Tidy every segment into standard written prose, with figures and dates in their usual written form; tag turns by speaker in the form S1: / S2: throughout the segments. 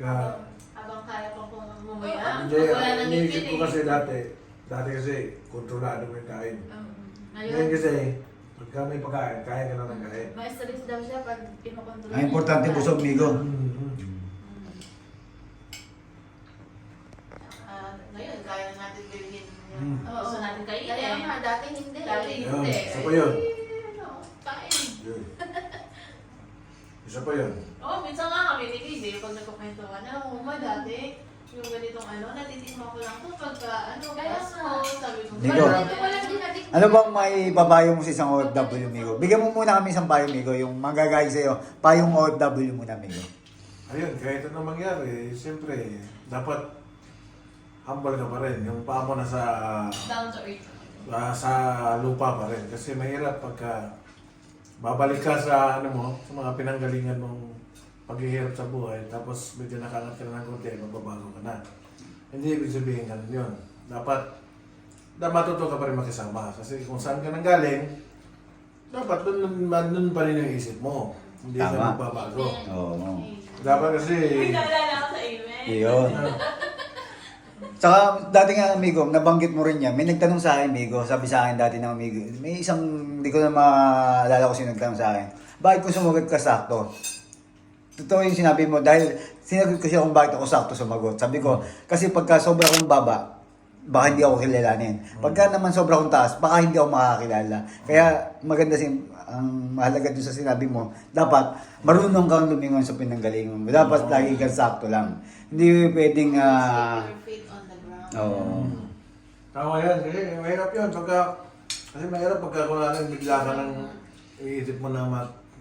S1: Habang kaya pa kong umuya.
S2: Hindi,
S1: Wala nang
S2: iniisip
S1: ngipin
S2: ko
S1: eh.
S2: kasi dati kasi kontrolado mo yung kain. Ngayon
S1: Ngayon,
S2: kasi, pagka may pagkain, kaya ka na ng kain.
S1: ma-stress daw siya pag pinokontrol.
S3: Ang importante busog, migo.
S1: Ngayon, kaya na natin bilhin
S2: Mm.
S1: yung gusto natin kainin.
S4: Kaya nga, dati hindi.
S1: Dati
S2: Yun,
S1: hindi.
S2: isa pa yun.
S1: Kain.
S2: Yun. Isa pa yun.
S1: Oo, minsan nga kami ni Lizzie, pag nagkukwentuhan, alam mo ba dati, yung ganitong natitikman ko lang to pagka,
S4: Kaya
S1: Pasko,
S4: nga.
S1: sabi ko.
S3: Migo.
S4: Walang dinadik.
S3: Ano bang may papayo mo sa isang OFW, migo? Bigyan mo muna kami isang payo, migo. Yung manggagay sa'yo, payong OFW muna, migo.
S2: Ayun, kahit ano mangyari, siyempre, dapat humble ka pa rin. Yung paa mo nasa
S1: Down to earth.
S2: sa lupa pa rin. Kasi mahirap pagka babalik ka sa sa mga pinanggalingan mong paghihirap sa buhay, tapos medyo nakangat ka na ng konti, magbabago ka na. Hindi ibig sabihin ganun yun. Dapat matuto ka pa rin makisama. Kasi kung saan ka nanggaling, dapat dun pa rin yung isip mo. Hindi ka
S3: Tama.
S2: magbabago.
S3: Oo.
S2: Dapat kasi...
S1: Uy, naalala ako sa amen.
S3: Iyon. Tsaka dati nga amigo, nabanggit mo rin yan. May nagtanong sa akin, amigo. Sabi sa akin dati ng amigo. May isang, hindi ko na maalala ko sino nagtanong sa akin. Bakit kung sumagot ka sakto? Totoo yung sinabi mo dahil sinagot ko siya kung bakit ako sakto sumagot. Sabi ko, kasi pagka sobra akong baba, baka hindi ako kilalanin. Pagka naman sobra akong taas, baka hindi ako makakilala. Kaya maganda ang mahalaga dun sa sinabi mo, dapat marunong kang lumingon sa pinanggalingan mo. Dapat lagi kang sakto lang. Hindi pwedeng
S1: Your feet on the ground.
S3: Oo.
S2: Tama yan. Kasi mahirap yun. Kasi mahirap pagka kunwari bigla ka ng iisip mo na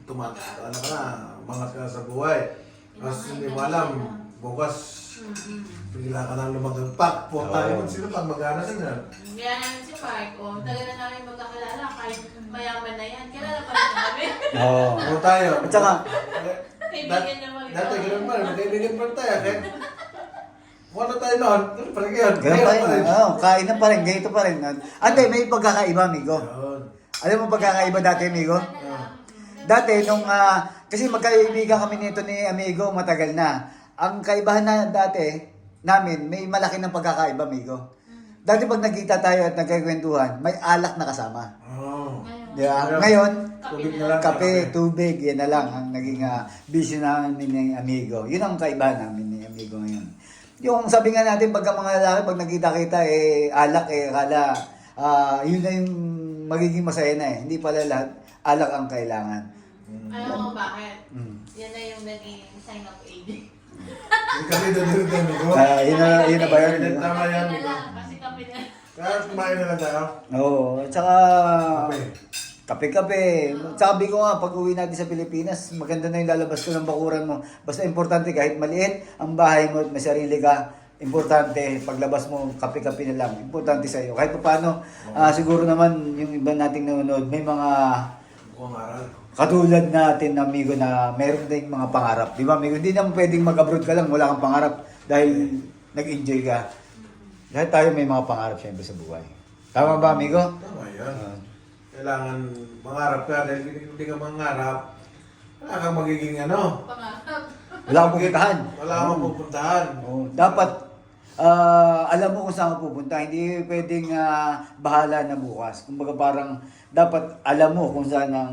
S2: umangat ka sa buhay. Tapos hindi mo alam, bukas bigla ka na lumagagpak. Tayo sino pag mag-anas na.
S1: Kaya namin si Mark, tagal na namin magkakilala, kahit mayaman na yan, kilala pa rin kami.
S3: Oo.
S2: Ano tayo?
S3: At saka,
S1: Kaibigan naman ito.
S2: Dati ganun pa rin. Magkaibigan pa rin tayo. Kahit kung ano tayo noon, ganun pa rin yun.
S3: ganun pa rin. Oo, kain na pa rin, ganito pa rin. Ate, may pagkakaiba, amigo.
S2: Yun.
S3: Alam mo pagkakaiba dati, amigo? Dati, kasi magkaibigan kami nito ni amigo, matagal na. Ang kaibahan na dati, namin, may malaki ng pagkakaiba, amigo. Dati pag nagkita tayo at nagkikwentuhan, may alak na kasama.
S2: Oo.
S3: Di ba? Ngayon,
S2: Tubig na lang.
S3: kape, tubig, yan na lang ang naging bisyo namin ni amigo. Yun ang kaibahan namin ni amigo ngayon. Yung sabi nga natin, pagka mga lalaki, pag nagkita-kita, alak, akala, yun na yung magiging masaya na eh. Hindi pala lahat, alak ang kailangan.
S1: Alam mo bakit?
S3: Mm.
S1: Yan na yung naging sign of age.
S2: Kasi doon amigo.
S3: Yun na ba yun?
S2: Tama yan,
S1: Kami na
S2: amigo.
S1: lang, kasi kami na.
S2: Kaya kumain na lang tayo.
S3: Oo, at saka
S2: Kape.
S3: kape-kape. Sabi ko nga, pag uwi natin sa Pilipinas, maganda na yung lalabas ko ng bakuran mo. Basta importante, kahit maliit ang bahay mo at may sarili ka, importante, paglabas mo, kape-kape na lang. Importante sa iyo. Kahit pa paano, siguro naman, yung iba nating nanonood, may mga
S2: Mukhang aral.
S3: katulad natin, amigo, na meron ding mga pangarap. Di ba, amigo? Hindi naman pwedeng mag-abroad ka lang, wala kang pangarap dahil nag-enjoy ka. Lahat tayo may mga pangarap siyempre sa buhay. Tama ba, amigo?
S2: Tama yan. Kailangan mangarap ka dahil hindi ka mangarap, wala kang magiging
S1: Pangarap.
S3: Wala kang pupuntahan.
S2: Wala kang pupuntahan.
S3: Oo. Dapat, alam mo kung saan ka pupunta. Hindi pwedeng bahala na bukas. Kumbaga parang, dapat alam mo kung saan ang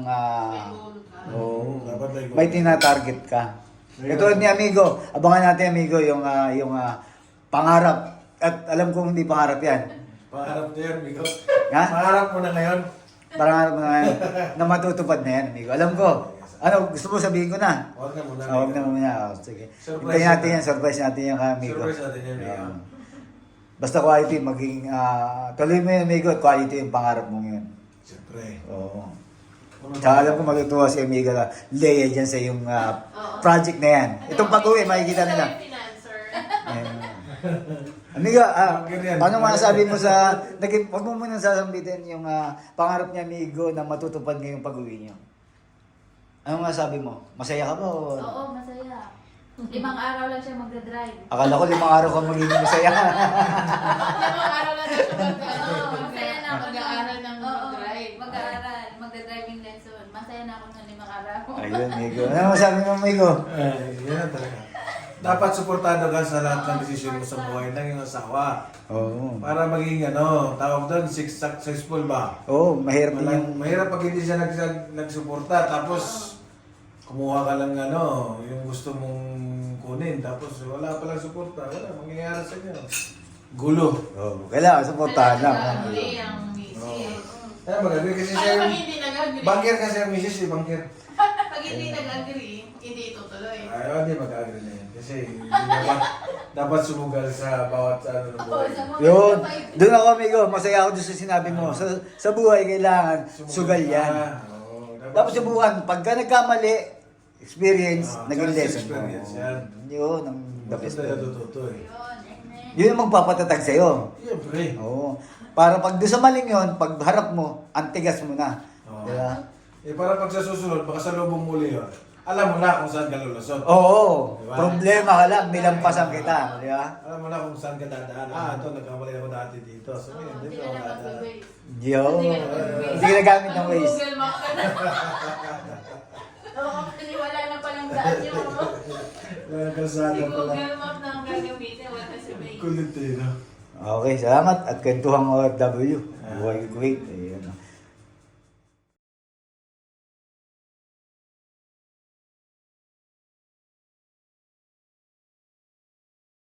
S2: Dapat
S3: may tinatarget ka. Ito ni amigo, abangan natin amigo yung pangarap. At alam kong hindi pangarap yan.
S2: Pangarap na yan, amigo.
S3: Ha?
S2: Pangarap mo na ngayon.
S3: Pangarap na matutupad na yan, amigo. Alam ko. Ano, gusto mo sabihin ko na?
S2: Huwag na muna.
S3: Huwag na muna. Sige.
S2: Surprise
S3: Hintayin natin
S2: na.
S3: yan. Surprise natin yan kay amigo.
S2: Surprise natin yan, amigo.
S3: Basta quality, maging, tuloy mo yun, amigo, at quality yung pangarap mo ngayon.
S2: Siyempre.
S3: Oo. Tsaka alam ko matutuwa si amigo na Leia dyan sa yung project na yan. Itong pag-uwi, makikita nila.
S1: Financer.
S3: Ayan. Amigo, paano masasabi mo sa, wag mo muna sasambitin yung pangarap niya, amigo, na matutupad ngayong pag-uwi niyo. Ano masasabi mo? Masaya ka ba? O?
S4: Oo, masaya. 5 araw lang siya magdadrive.
S3: Akala ko 5 araw ka magiging masaya.
S1: 5 araw lang siya
S4: Oo, masaya na ako.
S1: Mag-aaral ng
S4: Oo,
S1: drive.
S4: mag-aaral. Magdadriving lesson. Masaya na ako ng 5 araw.
S3: Ayun, amigo. Ano masasabi mo, amigo?
S2: Ay, yan talaga. dapat suportado ka sa lahat ng desisyon mo sa buhay ng iyong asawa.
S3: Oo.
S2: Para maging tawag doon, successful ba?
S3: Oo, mahirap din yung...
S2: Mahirap pag hindi siya nagsuporta, tapos kumuha ka lang yung gusto mong kunin, tapos wala palang suporta, wala, mangyayari sa inyo. Gulo.
S3: Oo, kailangan suportahan lang.
S1: Nag-agree ang misis.
S2: Kaya mag-agree kasi siya
S1: Ano pag
S2: yung...
S1: hindi nag-agree?
S2: Banker kasi ang misis banker.
S1: Pag hindi nag-agree, hindi itutuloy.
S2: Ay, hindi mag-agree na yan. Kasi hindi dapat sumugal sa bawat ng buhay.
S3: Yun, doon ako amigo, masaya ako doon sa sinabi mo. Sa buhay kailangan sugal yan.
S2: Oo,
S3: Tapos subukan, pagka nagkamali, experience, naging
S2: just
S3: lesson mo.
S2: experience yan.
S3: Yun, ang the best.
S2: Basta natututo eh.
S3: Yun ang magpapatatag sa'yo.
S2: Siyempre.
S3: Oo. Para pag doon sa maling yun, pag harap mo, antigas mo na.
S2: Oo.
S3: Diba?
S2: Eh para pag sa susunod, baka sa lubong muli yun, alam mo na kung saan ka lulusot.
S3: Oo.
S2: Diba?
S3: Problema ka lang, nilampasan kita. Di ba?
S2: Alam mo na kung saan ka dadaan. Ito, nagkamali ako dati dito. So, ngayon,
S1: Hindi
S2: dito
S1: ka
S2: ako
S1: na
S2: dadaan.
S1: mag-waste.
S3: Yo.
S1: Hindi ka na mag-waste.
S3: Hindi ka nagamit ng Waze.
S1: Google Map ka na. Oo, kasi wala na palang daan yung
S2: Wala
S1: si
S2: kalsada pala.
S1: Google Map na ang gagamitin, wala si Waze.
S2: Kulit eh, no?
S3: Okay, salamat at kwentuhang OFW. Buhay ko great. Ayan.